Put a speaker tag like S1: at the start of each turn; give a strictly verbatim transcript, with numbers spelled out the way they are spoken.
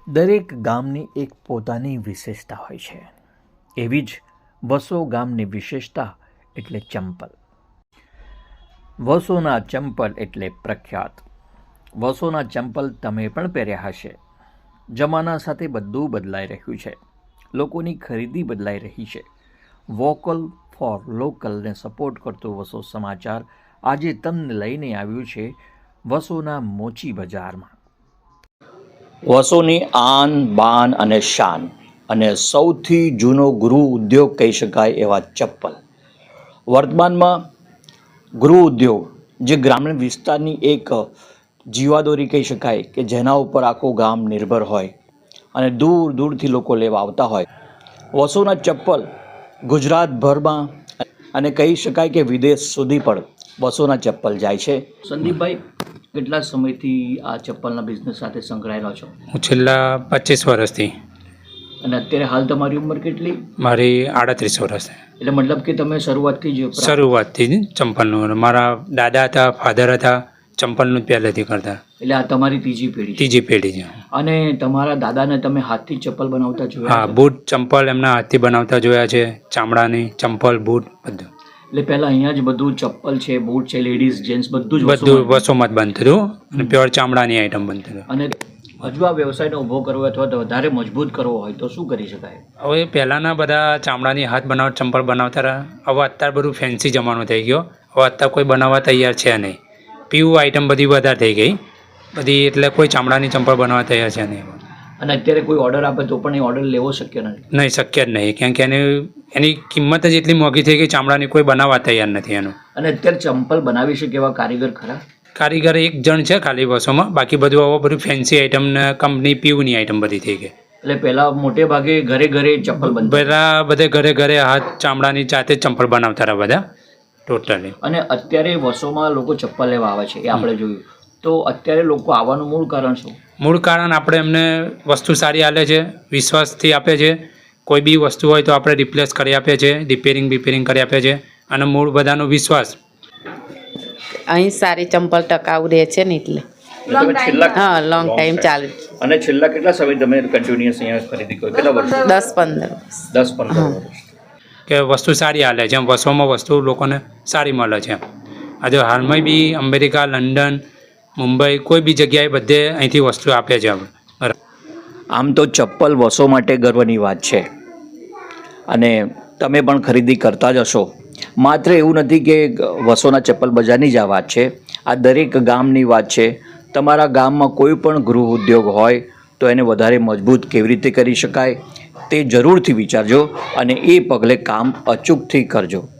S1: દરેક ગામની એક પોતાની વિશેષતા હોય છે. એવી જ વસો ગામની વિશેષતા એટલે ચંપલ. વસોના ચંપલ એટલે પ્રખ્યાત. વસોના ચંપલ તમે પણ પહેર્યા હશે. જમાના સાથે બધું બદલાઈ રહ્યું છે. લોકોની ખરીદી બદલાઈ રહી છે. વોકલ ફોર લોકલને સપોર્ટ કરતો વસો સમાચાર આજે તમને લઈને આવ્યું છે વસોના મોચી બજારમાં. વસોની આન બાન અને શાન અને સૌથી જૂનો ગૃહ ઉદ્યોગ કહી શકાય એવા ચપ્પલ. વર્તમાનમાં ગૃહ ઉદ્યોગ જે ગ્રામીણ વિસ્તારની એક જીવાદોરી કહી શકાય કે જેના ઉપર આખું ગામ નિર્ભર હોય અને દૂર દૂરથી લોકો લેવા આવતા હોય. વસોના ચપ્પલ ગુજરાતભરમાં અને કહી શકાય કે વિદેશ સુધી પણ વસોના ચપ્પલ જાય છે. સંદીપભાઈ, કેટલા સમયથી આ ચપ્પલના બિઝનેસ સાથે સંકળાયેલા છો?
S2: હું છેલ્લા પચીસ વર્ષથી.
S1: અને અત્યારે હાલ તમારી ઉંમર કેટલી?
S2: મારી આડત્રીસ વર્ષ.
S1: એટલે મતલબ કે તમે શરૂઆતથી જ
S2: શરૂઆતથી જ ચંપલનું, મારા દાદા હતા, ફાધર હતા, ચંપલનું જ પહેલેથી કરતા.
S1: એટલે આ તમારી ત્રીજી પેઢી?
S2: ત્રીજી પેઢી છે.
S1: અને તમારા દાદાને તમે હાથથી ચપ્પલ બનાવતા જોયા?
S2: હા, બૂટ ચંપલ એમના હાથથી બનાવતા જોયા છે. ચામડાની ચંપલ, બૂટ બધું.
S1: એટલે પહેલા અહીંયા જ બધું ચપ્પલ છે, બૂટ છે, લેડીઝ જેન્ટ્સ બધું જ
S2: બધું વસોમાં જ બનતું હતું અને પ્યોર ચામડાની આઈટમ બનતું હતું.
S1: અને હજુ આ વ્યવસાયને ઊભો કરવો અથવા તો વધારે મજબૂત કરવો હોય તો શું કરી શકાય?
S2: હવે પહેલાંના બધા ચામડાની હાથ બનાવટ ચંપલ બનાવતા રહ્યા. હવે અત્યારે બધું ફેન્સી જમાનો થઈ ગયો. હવે અત્યારે કોઈ બનાવવા તૈયાર છે નહીં. પીવું આઈટમ બધી વધારે થઈ ગઈ બધી, એટલે કોઈ ચામડાની ચંપલ બનાવવા તૈયાર છે નહીં.
S1: અને અત્યારે કોઈ ઓર્ડર આપે તો પણ એ ઓર્ડર લેવો શક્ય નથી?
S2: નહીં, શક્ય જ નહીં, કેમ કે એની એની કિંમત જ એટલી મોંઘી થઈ ગઈ, ચામડાની કોઈ બનાવવા તૈયાર નથી એનું.
S1: અને અત્યારે ચંપલ બનાવી શકે એવા કારીગર ખરા?
S2: કારીગર એક જણ છે ખાલી વસોમાં, બાકી બધું હવે બધું ફેન્સી આઈટમ ને કંપની પીવુની આઈટમ બધી થઈ ગઈ.
S1: એટલે પહેલા મોટે ભાગે ઘરે ઘરે ચપ્પલ બનતા?
S2: બધા બધે ઘરે ઘરે હાથ ચામડાની જાતે જ ચંપલ બનાવતા રહ્યા બધા ટોટલી.
S1: અને અત્યારે વસોમાં લોકો ચપ્પલ લેવા આવે છે, એ આપણે જોયું. તો અત્યારે લોકો આવવાનું મૂળ કારણ શું?
S2: મૂળ કારણ આપણે એમને વસ્તુ સારી આપે છે, વિશ્વાસથી આપે છે. કોઈ બી વસ્તુ હોય તો આપણે રિપ્લેસ કરી આપીએ છીએ, રિપેરિંગ બિપેરિંગ કરી આપીએ છીએ. અને મૂળ બધાનો વિશ્વાસ.
S3: અહીં સારી ચંપલ ટકાઉ રહે છે ને એટલે હા, લોંગ ટાઈમ ચાલે.
S1: અને છેલ્લા કેટલા સમય તમે કન્ટિન્યુઅસ અહીંયા ખરીદી કરો? કેટલા વર્ષ?
S3: દસ પંદર
S1: દસ પંદર વર્ષ.
S2: કે વસ્તુ સારી હાલે છે એમ, વસોમાં વસ્તુ લોકોને સારી મળે છે એમ. આજે હાલમાં બી અમેરિકા, લંડન, મુંબઈ કોઈ બી જગ્યાએ બધે અહીંથી વસ્તુ આપે છે આપણે.
S1: આમ તો ચપ્પલ વસો માટે ગર્વની વાત છે અને તમે પણ ખરીદી કરતા જ હશો. માત્ર એવું નથી કે વસોના ચપ્પલ બજારની જ આ વાત છે, આ દરેક ગામની વાત છે. તમારા ગામમાં કોઈ પણ ગૃહ ઉદ્યોગ હોય તો એને વધારે મજબૂત કેવી રીતે કરી શકાય તે જરૂરથી વિચારજો અને એ પગલે કામ અચૂકથી કરજો.